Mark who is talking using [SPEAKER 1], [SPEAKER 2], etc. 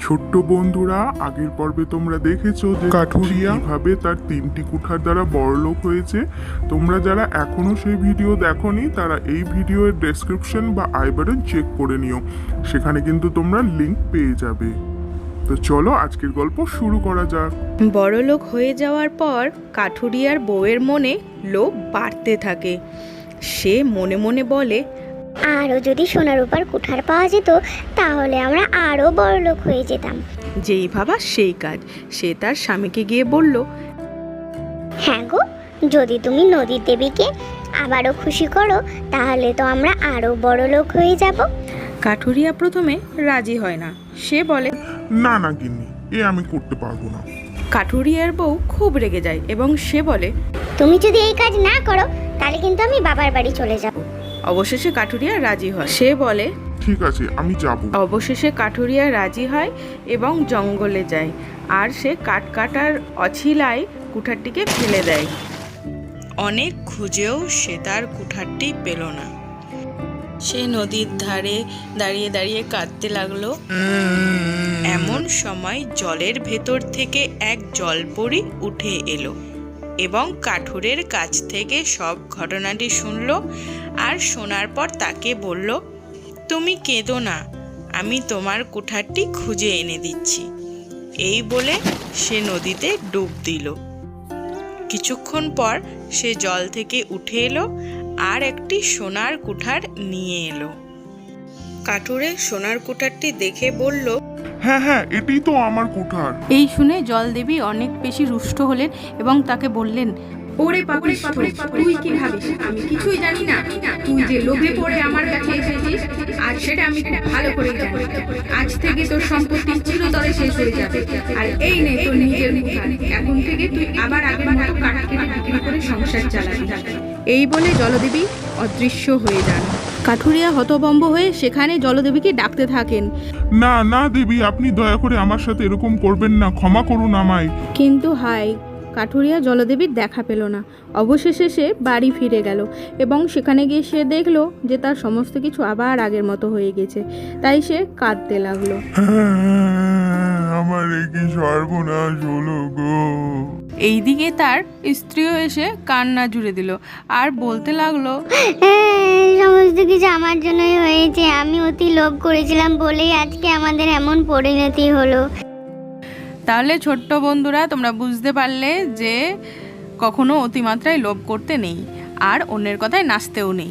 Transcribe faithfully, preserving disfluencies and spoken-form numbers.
[SPEAKER 1] ছোট্ট বন্ধুরা, আগের পর্বে তোমরা দেখেছো যে কাঠুরিয়া ভাবে তার তিনটি কুঠার দ্বারা বড়লোক হয়েছে। তোমরা যারা এখনো সেই ভিডিও দেখোনি তারা এই ভিডিওর ডেসক্রিপশন বা আই বাটন চেক করে নিও, সেখানে কিন্তু তোমরা লিংক পেয়ে যাবে। তো চলো আজকের গল্প শুরু করা যাক।
[SPEAKER 2] বড়লোক হয়ে যাওয়ার পর কাঠুরিয়ার বউয়ের মনে লোভ বাড়তে থাকে। সে মনে মনে বলে,
[SPEAKER 3] আরও যদি সোনার উপর কুঠার পাওয়া যেত তাহলে আমরা আরও বড়লোক হয়ে যেতাম।
[SPEAKER 2] যেই ভাবা সেই কাজ। সে তার স্বামীকে গিয়ে বলল,
[SPEAKER 3] হ্যাঁ গো, যদি তুমি নদীর দেবীকে আবারও খুশি করো তাহলে তো আমরা আরও বড়লোক হয়ে যাব।
[SPEAKER 2] কাঠুরিয়া প্রথমে রাজি হয় না। সে বলে,
[SPEAKER 1] না না গিন্নি, এ আমি করতে পারবো না।
[SPEAKER 2] কাঠুরিয়ার বউ খুব রেগে যায় এবং সে বলে,
[SPEAKER 3] তুমি যদি এই কাজ না করো তাহলে কিন্তু আমি বাবার বাড়ি চলে যাব।
[SPEAKER 2] অবশেষে কাঠুরিয়া রাজি হয়। সে বলে,
[SPEAKER 1] ঠিক আছে, আমি যাব।
[SPEAKER 2] অবশেষে কাঠুরিয়া রাজি হয় এবং জঙ্গলে যায়, আর সে কাঠ কাটার অছিলায় কুঠারটিকে ফেলে দেয়। অনেক খুঁজেও সে তার কুঠারটি পেল না। সে নদীর ধারে দাঁড়িয়ে দাঁড়িয়ে কাঁদতে লাগলো। এমন সময় জলের ভেতর থেকে এক জলপরী উঠে এলো এবং কাঠুরের কাছ থেকে সব ঘটনাটি শুনল। আর শোনার পর তাকে বলল, তুমি কেঁদো না, আমি তোমার কুঠারটি খুঁজে এনে দিচ্ছি। এই বলে সে নদীতে ডুব দিল। কিছুক্ষণ পর সে জল থেকে উঠে এলো আর একটি সোনার কুঠার নিয়ে এলো। কাঠুরে সোনার কুঠারটি দেখে বলল,
[SPEAKER 1] হ্যাঁ হ্যাঁ, এটাই তো আমার কুঠার।
[SPEAKER 2] এই শুনে জলদেবী অনেক বেশি রুষ্ট হলেন এবং তাকে বললেন,
[SPEAKER 4] ওরে পাপিষ্ঠ, তুই কি ভাবিস আমি কিছুই জানি না? তুই যে লোভে পড়ে আমার কাছে এসেছিস আর সেটা আমি খুব ভালো করে জানি। আজ থেকে তোর সম্পত্তি চিরতরে শেষ হয়ে যাবে। আর এই নে তোর নিজের কুঠার। এখন থেকে তুই আবার আগের মতো কাঠ কেটে বিক্রি করে সংসার চালাবি।
[SPEAKER 2] এই বলে জলদেবী অদৃশ্য হয়ে যান। কাঠুরিয়া হতভম্ব হয়ে সেখানে জলদেবীকে ডাকতে থাকেন,
[SPEAKER 1] না না দেবী, আপনি দয়া করে আমার সাথে এরকম করবেন না, ক্ষমা করুন আমায়।
[SPEAKER 2] কিন্তু হায়, কাঠুরিয়া জলদেবীর দেখা পেল না। অবশেষে সে বাড়ি ফিরে গেল এবং সেখানে গিয়ে সে দেখলো যে তার সমস্ত কিছু আবার আগের মতো হয়ে গেছে। তাই সে কাঁদতে লাগলো।
[SPEAKER 1] আমার কি সর্বনাশ হলো গো।
[SPEAKER 2] এইদিকে তার স্ত্রীও এসে কান্না জুড়ে দিল আর বলতে লাগলো,
[SPEAKER 3] সমস্ত কিছু আমার জন্যই হয়েছে। আমি অতি লোভ করেছিলাম বলেই আজকে আমাদের এমন পরিণতি হলো।
[SPEAKER 2] তাহলে ছোট্ট বন্ধুরা, তোমরা বুঝতে পারলে যে কখনো অতিমাত্রায় লোভ করতে নেই আর অন্যের কথায় নাচতেও নেই।